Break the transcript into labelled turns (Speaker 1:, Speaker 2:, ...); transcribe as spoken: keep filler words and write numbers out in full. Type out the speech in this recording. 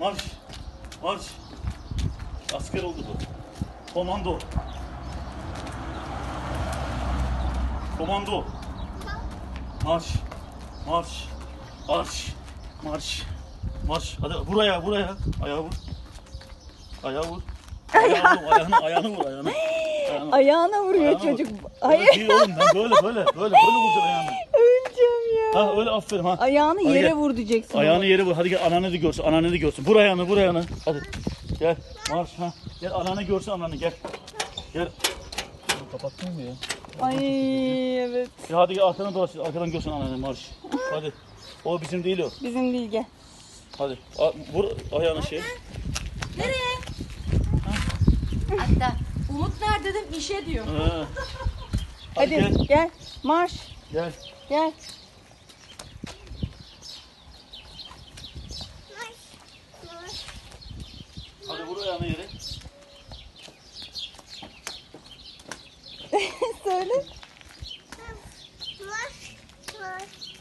Speaker 1: Marş. Marş. Asker oldu bu. Komando. Komando. Marş. Marş. Marş. Marş. Marş. Hadi buraya, buraya. Ayağı vur. Ayağı vur. Ayağını, ayağını, ayağını vur ayağını. Ayağını.
Speaker 2: Ayağına vuruyor
Speaker 1: Ayağına
Speaker 2: çocuk.
Speaker 1: vur.
Speaker 2: Ay,
Speaker 1: Öyle değil oğlum, ben böyle böyle böyle böyle vuracağım ayağını.
Speaker 2: öleceğim ya.
Speaker 1: Ha öyle aferin ha.
Speaker 2: Ayağını
Speaker 1: Hadi
Speaker 2: yere
Speaker 1: gel.
Speaker 2: vur diyeceksin.
Speaker 1: Ayağını
Speaker 2: ona.
Speaker 1: yere vur. Hadi gel ananı da görsün. Ananı da görsün. Vur ayağını, vur ayağını. Hadi. Gel. Marş ha. Gel ananı görsün ananı gel. Gel. Kapattın mı ya?
Speaker 2: Ay evet.
Speaker 1: Ya hadi gel arkana dolaş. Arkadan görsün ananı marş. Hadi. O bizim değil o.
Speaker 2: Bizim değil gel.
Speaker 1: Hadi. A- vur ayağını şey.
Speaker 3: Nereye? Hatta Umut nerede dedim işe diyor.
Speaker 1: Ha.
Speaker 2: Hadi,
Speaker 1: Hadi,
Speaker 2: gel.
Speaker 1: gel.
Speaker 2: Marş.
Speaker 1: Gel.
Speaker 2: Gel.
Speaker 1: Hadi vur ayağını yere.
Speaker 2: Söyle.
Speaker 4: Marş, marş.